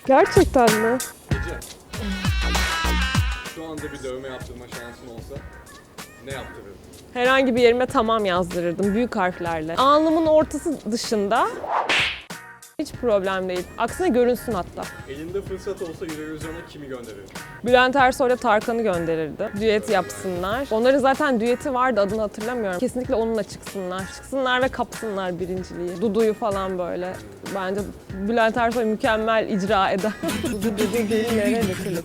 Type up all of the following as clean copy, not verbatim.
Gerçekten mi? Ece, şu anda bir dövme yaptırma şansın olsa ne yaptırırdın? Herhangi bir yerime tamam yazdırırdım büyük harflerle. Alnımın ortası dışında hiç problem değil. Aksine görünsün hatta. Elinde fırsat olsa Eurovision'a kimi gönderirdin? Bülent Ersoy'la Tarkan'ı gönderirdi. Düet yapsınlar. Onların zaten düeti vardı, adını hatırlamıyorum. Kesinlikle onunla çıksınlar. Çıksınlar ve kapsınlar birinciliği. Dudu'yu falan böyle. Bence Bülent Ersoy mükemmel icra eder. Dudu dillere dökülür.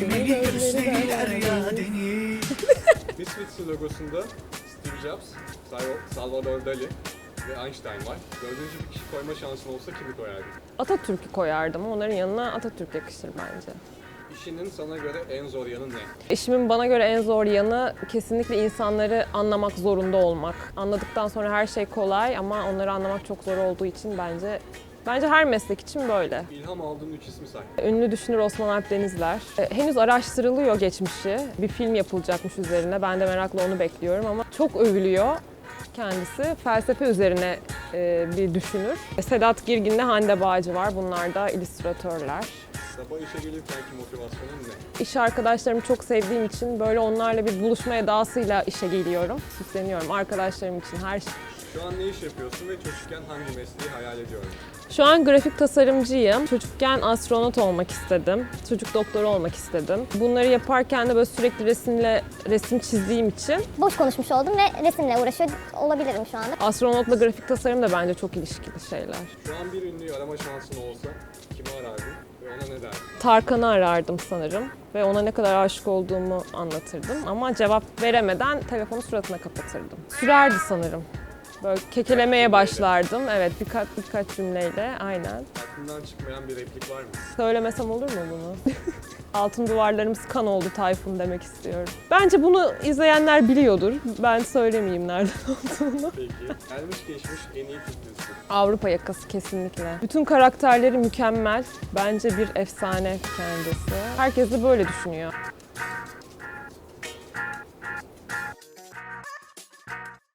Misfits logosunda Steve Jobs, Salvador Dali ve Einstein var. Dördüncü bir kişi koyma şansın olsa kimi koyardın? Atatürk'ü koyardım. Onların yanına Atatürk yakışır bence. İşinin sana göre en zor yanı ne? İşimin bana göre en zor yanı kesinlikle insanları anlamak zorunda olmak. Anladıktan sonra her şey kolay ama onları anlamak çok zor olduğu için bence her meslek için böyle. İlham aldığın 3 ismi say. Ünlü düşünür Osman Alp Denizler. Henüz araştırılıyor geçmişi. Bir film yapılacakmış üzerine. Ben de merakla onu bekliyorum ama çok övülüyor kendisi. Felsefe üzerine bir düşünür. Sedat Girgin'le Hande Bağcı var. Bunlar da illüstratörler. Sabah işe gelirkenki motivasyonun ne? İş arkadaşlarımı çok sevdiğim için böyle onlarla bir buluşma edasıyla işe geliyorum. Süsleniyorum arkadaşlarım için her şey. Şu an ne iş yapıyorsun ve çocukken hangi mesleği hayal ediyordun? Şu an grafik tasarımcıyım. Çocukken astronot olmak istedim. Çocuk doktoru olmak istedim. Bunları yaparken de böyle sürekli resim çizdiğim için Boş konuşmuş oldum ve resimle uğraşıyor olabilirim şu anda. astronotla grafik tasarım da bence çok ilişkili şeyler. Şu an bir ünlüyü arama şansın olsa kimi arardın ve ona ne derdin? Tarkan'ı arardım sanırım ve ona ne kadar aşık olduğumu anlatırdım. Ama cevap veremeden telefonu suratına kapatırdım. Sürerdi sanırım. Böyle kekelemeye başlardım. Evet, birkaç cümleyle aynen. Aklından çıkmayan bir replik var mı? Söylemesem olur mu bunu? Altın duvarlarımız kan oldu Tayfun demek istiyorum. Bence bunu izleyenler biliyordur. Ben söylemeyeyim nereden olduğunu. Peki. Gelmiş geçmiş en iyi Türk dizisi. Avrupa Yakası kesinlikle. Bütün karakterleri mükemmel. Bence bir efsane kendisi. Herkes de böyle düşünüyor.